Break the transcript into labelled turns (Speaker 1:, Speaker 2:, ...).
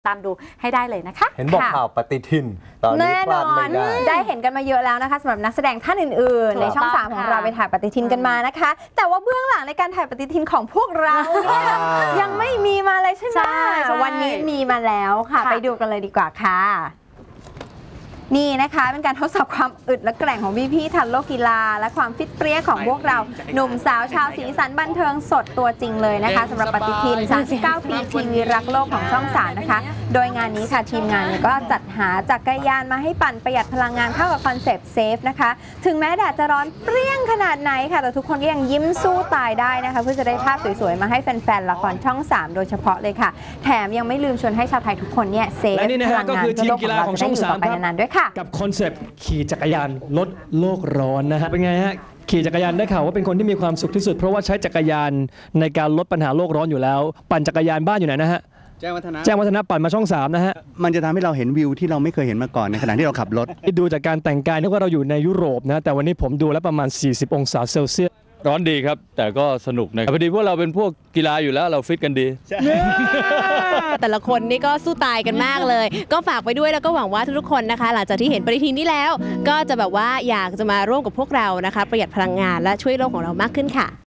Speaker 1: ตามดูให้ได้เลยนะคะ
Speaker 2: เห็นบอกข่าวปฏิทินตอนนี้พลาดไม่ได้
Speaker 3: เห็นกันมาเยอะแล้วนะคะสำหรับนักแสดงท่านอื่นๆในช่อง3ของเราไปถ่ายปฏิทินกันมานะคะแต่ว่าเบื้องหลังในการถ่ายปฏิทินของพวกเราเนี่ยยังไม่มีมาเลยใช่ไหมวันนี้มีมาแล้วค่ะไปดูกันเลยดีกว่าค่ะนี่นะคะเป็นการทดสอบความอึดและแกร่งของพี่ๆทันโลกกีฬาและความฟิตเปรี้ยของพวกเราหนุ่มสาวชาวสีสันบันเทิงสดตัวจริงเลยนะคะสำหรับปฏิทิน39 ปีทีวีรักโลกของช่อง3นะคะโดยงานนี้ค่ะทีมงานก็จัดหาจักรยานมาให้ปั่นประหยัดพลังงานเข้ากับคอนเซปต์เซฟนะคะถึงแม้แดดจะร้อนเปรี้ยงขนาดไหนค่ะแต่ทุกคนก็ยังยิ้มสู้ตายได้นะคะเพื่อจะได้ภาพสวยๆมาให้แฟนๆละครช่อง3โดยเฉพาะเลยค่ะแถมยังไม่ลืมชวนให้ชาวไทยทุกคนเนี่ยเซฟพลังงานเพื่อโลกของเราจะได้อยู่ต่อไปนานๆด้วยค่ะ
Speaker 4: กับคอนเซปต์ขี่จักรยานลดโลกร้อนนะฮะเป็นไงฮะขี่จักรยานได้ข่าวว่าเป็นคนที่มีความสุขที่สุดเพราะว่าใช้จักรยานในการลดปัญหาโลกร้อนอยู่แล้วปั่นจักรยานบ้านอยู่ไหนนะฮะแจ้งวัฒนะปั่นมาช่อง3นะฮะ
Speaker 5: มันจะทำให้เราเห็นวิวที่เราไม่เคยเห็นมาก่อนในขณะที่เราขับรถ
Speaker 4: ดูจากการแต่งกายนึกว่าเราอยู่ในยุโรปนะแต่วันนี้ผมดูแล้วประมาณ40องศาเซลเซียส
Speaker 6: ร้อนดีครับแต่ก็สนุกนะพอดีพวกเราเป็นพวกกีฬาอยู่แล้วเราฟิตกันดี
Speaker 7: แต่ละคนนี่ก็สู้ตายกันมากเลยก็ฝากไปด้วยแล้วก็หวังว่าทุกๆคนนะคะหลังจากที่เห็นปฏิทินนี้แล้วก็จะแบบว่าอยากจะมาร่วมกับพวกเรานะคะประหยัดพลังงานและช่วยโลกของเรามากขึ้นค่ะ